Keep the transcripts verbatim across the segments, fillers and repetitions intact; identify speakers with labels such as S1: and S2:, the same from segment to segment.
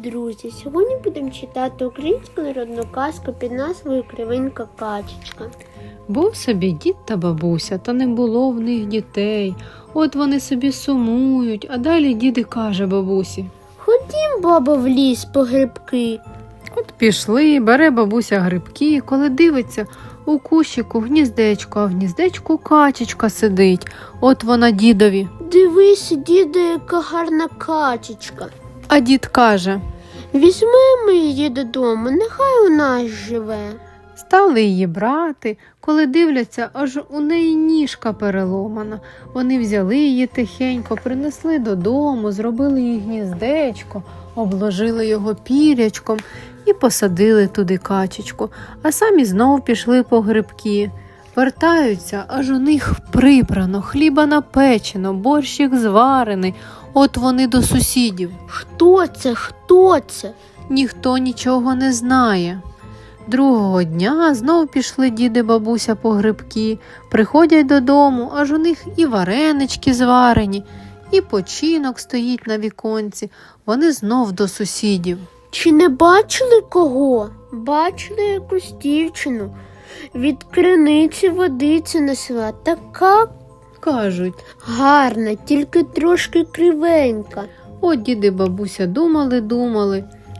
S1: друзі! Сьогодні будемо читати українську народну казку під назвою «Кривенька качечка».
S2: Був собі дід та бабуся, та не було в них дітей. От вони собі сумують, а далі дід і каже бабусі:
S1: «Ходім, бабо, в ліс по грибки».
S2: От пішли, бере бабуся грибки, коли дивиться, у кущику гніздечко, а в гніздечку качечка сидить. От вона дідові:
S1: «Дивись, діду, яка гарна качечка».
S2: А дід каже:
S1: «Візьмемо її додому, нехай у нас живе».
S2: Стали її брати, коли дивляться, аж у неї ніжка переломана. Вони взяли її тихенько, принесли додому, зробили їй гніздечко, обложили його пірячком і посадили туди качечку, а самі знов пішли по грибки. Вертаються, аж у них прибрано, хліба напечено, борщик зварений. От вони до сусідів.
S1: «Хто це? Хто це?»
S2: Ніхто нічого не знає. Другого дня знов пішли діди бабуся по грибки, приходять додому, аж у них і варенички зварені, і починок стоїть на віконці. Вони знов до сусідів.
S1: «Чи не бачили кого?» «Бачили якусь дівчину. Від криниці водиці несла. Така,
S2: Кажуть.
S1: гарна, тільки трошки кривенька».
S2: От діди бабуся думали-думали.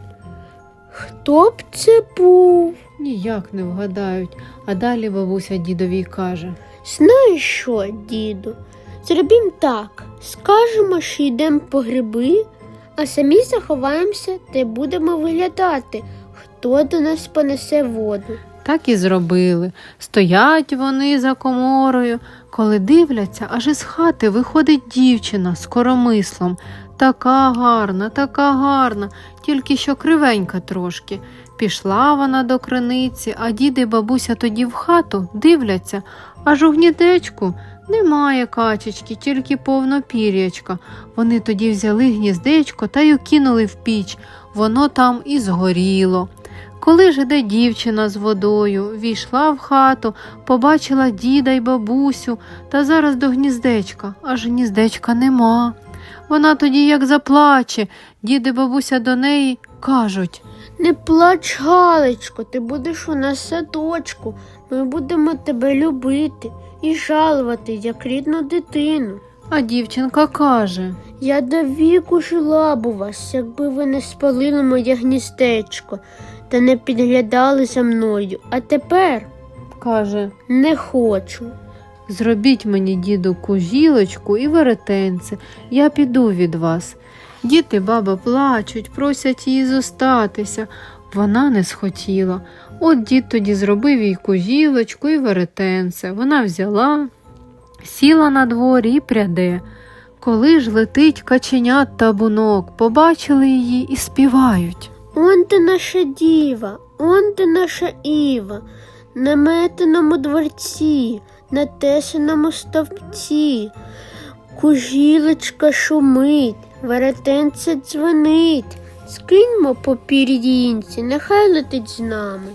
S1: «Хто б це був?»
S2: Ніяк не вгадають. А далі бабуся дідові каже:
S1: «Знаєш що, діду, зробім так. Скажемо, що йдемо по гриби, а самі заховаємося та й будемо виглядати, хто до нас понесе воду».
S2: Так і зробили. Стоять вони за коморою, коли дивляться, аж із хати виходить дівчина з коромислом. Така гарна, така гарна, тільки що кривенька трошки. Пішла вона до криниці, а діди і бабуся тоді в хату дивляться, аж у гніздечку немає качечки, тільки повно пір'ячка. Вони тоді взяли гніздечко та й укинули в піч, воно там і згоріло. Коли ж іде дівчина з водою, війшла в хату, побачила діда й бабусю, та зараз до гніздечка, аж гніздечка нема. Вона тоді як заплаче, дід і бабуся до неї кажуть:
S1: «Не плач, Галечко, ти будеш у нас в садочку, ми будемо тебе любити і жалувати, як рідну дитину».
S2: А дівчинка каже:
S1: «Я до віку жила б у вас, якби ви не спалили моє гніздечко та не підглядали за мною, а тепер
S2: каже,
S1: не хочу».
S2: «Зробіть мені, діду, кужілочку і веретенце, я піду від вас». Дід і баба плачуть, просять її зостатися. Вона не схотіла. От дід тоді зробив їй кужілочку і веретенце. Вона взяла, сіла на дворі і пряде. Коли ж летить каченят табунок, побачили її і співають:
S1: «Он ти наша діва, он ти наша Іва, на метеному дворці, на тесаному стовпці, кужілочка шумить, веретенце дзвонить, скиньмо по пір'їнці, нехай летить з нами».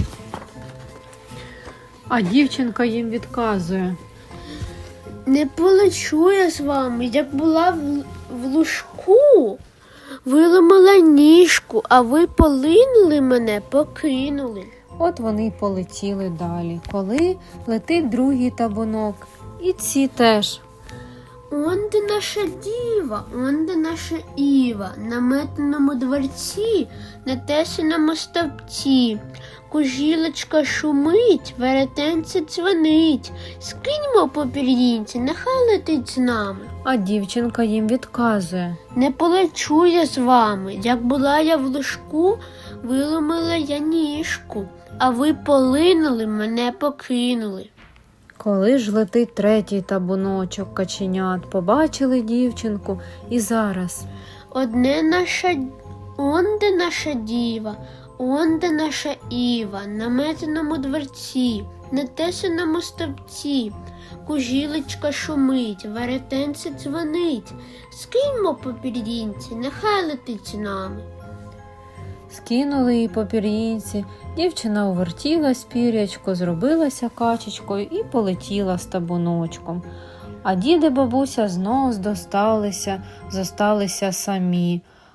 S2: А дівчинка їм відказує:
S1: «Не полечу я з вами, як була в, в лужку, виламала ніжку, а ви полинули мене, покинули».
S2: От вони й полетіли далі, коли летить другий табунок. І ці теж:
S1: «Он де наша діва, он де наша Іва, на метеному дворці, на тесаному стовпці, кужілочка шумить, веретенце дзвонить, скиньмо по пір'їнці, нехай летить з нами».
S2: А дівчинка їм відказує:
S1: «Не полечу я з вами, як була я в лужку, виламала я ніжку, а ви полинули, мене покинули».
S2: Коли ж летить третій табуночок каченят, побачили дівчинку і зараз:
S1: «Одне наша, он де наша діва, он де наша Іва, на метеному дворці, на тесаному стовпці, кужілочка шумить, веретенце дзвонить, скиньмо по пір'їнці, нехай летить з нами».
S2: Скинули її по пір'їнці, дівчина увертілась пірячко, зробилася качечкою і полетіла з табуночком. А дід і бабуся знов здосталися, зосталися самі.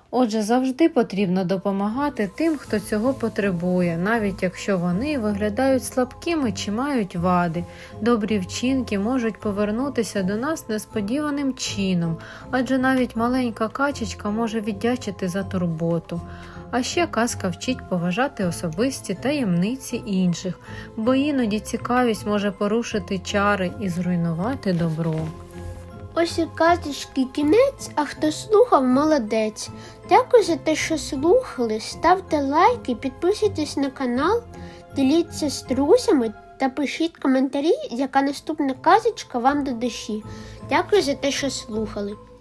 S2: Отже, завжди потрібно допомагати тим, хто цього потребує, навіть якщо вони виглядають слабкими чи мають вади. Добрі вчинки можуть повернутися до нас несподіваним чином, адже навіть маленька качечка може віддячити за турботу. А ще казка вчить поважати особисті таємниці інших, бо іноді цікавість може порушити чари і зруйнувати добро.
S1: Ось і казочки кінець, а хто слухав, молодець. Дякую за те, що слухали. Ставте лайки, підписуйтесь на канал, діліться з друзями та пишіть коментарі, яка наступна казочка вам до душі. Дякую за те, що слухали.